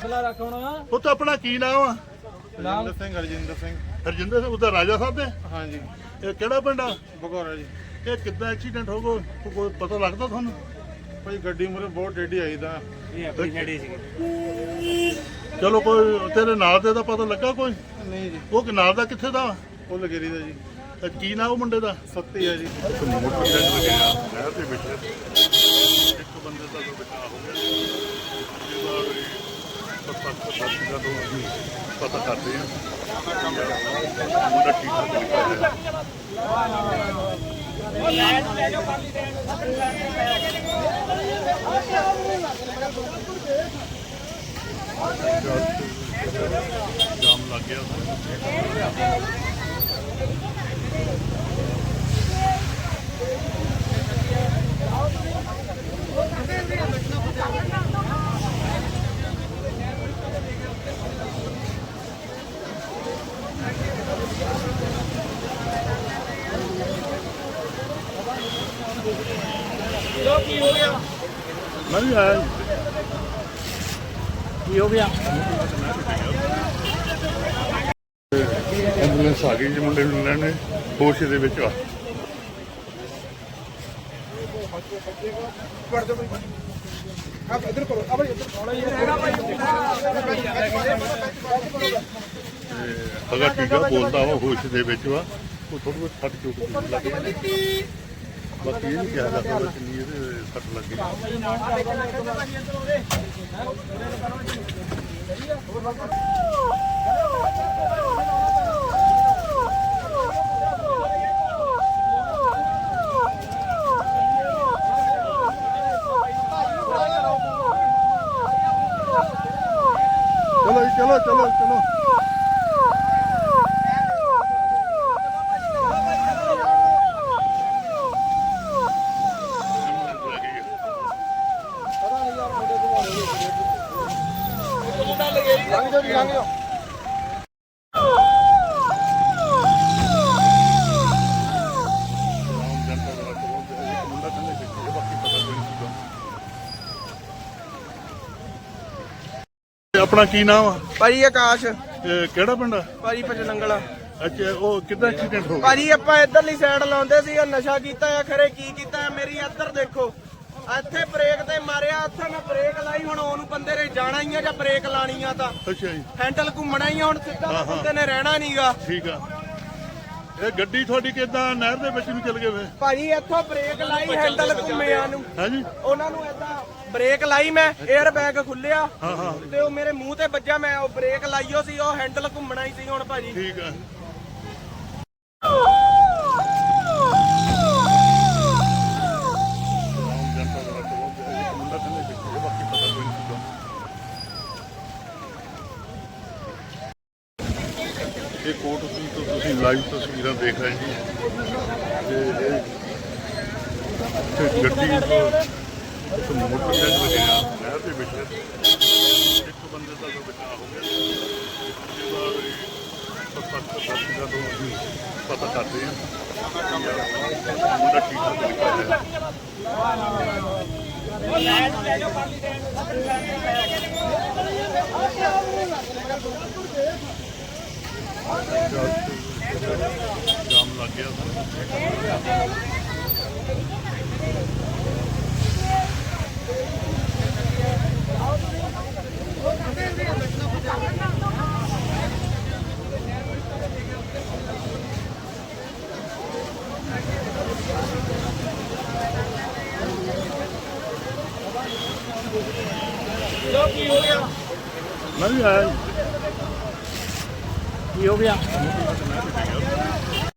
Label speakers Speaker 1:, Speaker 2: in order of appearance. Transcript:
Speaker 1: ਪੁੱਤ ਆਪਣਾ ਕੀ ਨਾਮ ਆ?
Speaker 2: ਹਰਜਿੰਦਰ ਸਿੰਘ
Speaker 1: ਹਰਜਿੰਦਰ ਸਿੰਘ ਉਹਦਾ ਰਾਜਾ ਸਾਹਿਬ ਦੇ?
Speaker 2: ਹਾਂਜੀ
Speaker 1: ਇਹ ਕਿਹੜਾ ਪਿੰਡ ਆ?
Speaker 2: ਬਗੌਰਾ ਜੀ।
Speaker 1: ਇਹ ਕਿੱਦਾਂ ਐਕਸੀਡੈਂਟ ਹੋ ਗਿਆ, ਕੋਈ ਪਤਾ ਲੱਗਦਾ ਤੁਹਾਨੂੰ?
Speaker 2: ਭਾਈ ਗੱਡੀ ਮੂਹਰੇ ਬਹੁਤ ਟੇਢੀ ਆਈ ਤਾਂ
Speaker 3: ਇਹ ਆਪਣੀ ਨੇੜੇ ਸੀਗੀ।
Speaker 1: ਚਲੋ ਕੋਈ ਤੇਰੇ ਨਾਲ ਦੇ ਦਾ ਪਤਾ ਲੱਗਾ ਕੋਈ?
Speaker 2: ਨਹੀਂ ਜੀ,
Speaker 1: ਉਹ ਕਿ ਨਾਲ ਦਾ ਕਿੱਥੇ ਦਾ?
Speaker 2: ਉਹ ਲਗੇਰੀ ਦਾ ਜੀ।
Speaker 1: ਤੇ ਕੀ ਨਾਮ ਉਹ ਮੁੰਡੇ ਦਾ?
Speaker 2: ਸੱਤੀ ਆ ਜੀ।
Speaker 1: ਮੋਟਰਸਾਈਕਲ ਲੱਗਿਆ ਨਹਿਰ ਦੇ ਵਿੱਚ, ਇੱਕ ਬੰਦੇ ਦਾ ਜੋ ਬਚਾਅ ਹੋ ਗਿਆ, ਜਿਹਦਾ ਵੀ ਪਤਾ ਕਰਦੇ ਆ ਮੁੰਡਾ ਠੀਕ ਠਾਕ ਨਿਕਲ ਗਿਆ। ਜਾਮ ਲੱਗ ਗਿਆ
Speaker 3: ਕੀ ਹੋ ਗਿਆ?
Speaker 1: ਮੈਂ ਵੀ ਆਇਆ ਜੀ।
Speaker 3: ਕੀ ਹੋ ਗਿਆ?
Speaker 1: ਐਂਬੂਲੈਂਸ ਆ ਗਈ ਜੀ, ਮੁੰਡੇ ਨੂੰ ਲੈਣੇ ਹੋਸ਼ ਦੇ ਵਿੱਚ ਆ। ਅਗਾ ਟੀਕਾ ਬੋਲਦਾ ਉਹ ਹੋਸ਼ ਦੇ ਵਿੱਚ ਵਾ, ਉਹ ਥੋੜੀ ਬਹੁਤ ਫਟ ਚੁੱਕ ਲੱਗ ਗਈ। ਬਾਕੀ ਇਹ ਨਹੀਂ ਕਿਹਾ ਜਾ ਸਕਦਾ ਕਿੰਨੀ ਇਹਦੇ ਸੱਟ ਲੱਗੀ। ਚਲੋ ਜੀ, ਚਲੋ ਚਲੋ ਚਲੋ। ਆਪਣਾ ਕੀ ਨਾਮ ਆ?
Speaker 4: ਭਾਜੀ ਆਕਾਸ਼।
Speaker 1: ਇਹ ਕਿਹੜਾ ਪਿੰਡ ਆ?
Speaker 4: ਭਾਜੀ ਪਚਨੰਗਲ।
Speaker 1: ਅੱਛਾ, ਉਹ ਕਿੱਦਾਂ ਐਕਸੀਡੈਂਟ ਹੋ ਗਿਆ?
Speaker 4: ਭਾਜੀ ਆਪਾਂ ਇੱਧਰਲੀ ਸਾਈਡ ਲਾਉਂਦੇ ਸੀ, ਉਹ ਨਸ਼ਾ ਕੀਤਾ ਆ, ਖਰੇ ਕੀ ਕੀਤਾ ਆ। ਮੇਰੀ ਇੱਧਰ ਦੇਖੋ, ਇੱਥੇ ਬ੍ਰੇਕ ਤੇ ਮਾਰਿਆ, ਉੱਥੇ ਮੈਂ ਬ੍ਰੇਕ ਲਾਈ, ਹੁਣ ਉਹਨੂੰ ਬੰਦੇ ਨੇ ਜਾਣਾ ਹੀ ਆ ਜਾਂ ਬ੍ਰੇਕ ਲਾਣੀ ਆ ਤਾਂ
Speaker 1: ਅੱਛਾ ਜੀ,
Speaker 4: ਹੈਂਡਲ ਘੁੰਮਣਾ ਹੀ ਆ, ਹੁਣ ਸਿੱਧਾ ਤਾਂ ਬੰਦੇ ਨੇ ਰਹਿਣਾ ਨਹੀਂਗਾ।
Speaker 1: ਠੀਕ ਆ। ਇਹ ਗੱਡੀ ਤੁਹਾਡੀ ਕਿੱਦਾਂ ਨਹਿਰ ਦੇ ਵਿੱਚ ਨੂੰ ਚਲ ਗਏ ਵੇ?
Speaker 4: ਭਾਜੀ ਇੱਥੋਂ ਬ੍ਰੇਕ ਲਾਈ, ਹੈਂਡਲ ਘੁੰਮਿਆ ਨੂੰ,
Speaker 1: ਹਾਂਜੀ,
Speaker 4: ਉਹਨਾਂ ਨੂੰ ਏਦਾਂ ਬ੍ਰੇਕ ਲਾਈ, ਮੈਂ 에ਅਰ ਬੈਗ ਖੁੱਲਿਆ
Speaker 1: ਹਾਂ ਹਾਂ,
Speaker 4: ਤੇ ਉਹ ਮੇਰੇ ਮੂੰਹ ਤੇ ਵੱਜਾ, ਮੈਂ ਉਹ ਬ੍ਰੇਕ ਲਾਈਓ ਸੀ, ਉਹ ਹੈਂਡਲ ਘੁੰਮਣਾ ਹੀ ਸੀ ਹੁਣ ਭਾਜੀ।
Speaker 1: ਠੀਕ ਆ। ਇਹ ਕੋਟ ਤੋਂ ਤੁਸੀਂ ਲਾਈਵ ਤਸਵੀਰਾਂ ਦੇਖ ਰਹੇ ਜੀ, ਤੇ ਗੱਡੀ ਇੱਕ ਮੋਟਰਸਾਈਕਲ ਲੱਗਿਆ ਨਹਿਰ ਦੇ ਵਿੱਚ, ਇੱਕ ਬੰਦੇ ਦਾ ਜੋ ਬਚਾਅ ਹੋ ਗਿਆ, ਜਿਹਦਾ ਵੀ ਪਤਾ ਕਰਦੇ ਆ ਮੁੰਡਾ ਠੀਕ ਠਾਕ ਨਿਕਲ ਗਿਆ। ਜਾਮ ਲੱਗ ਗਿਆ
Speaker 3: ਕੀ ਹੋ ਗਿਆ?
Speaker 1: ਮੈਂ ਵੀ ਆਇਆ ਜੀ।
Speaker 3: ਕੀ ਹੋ ਗਿਆ?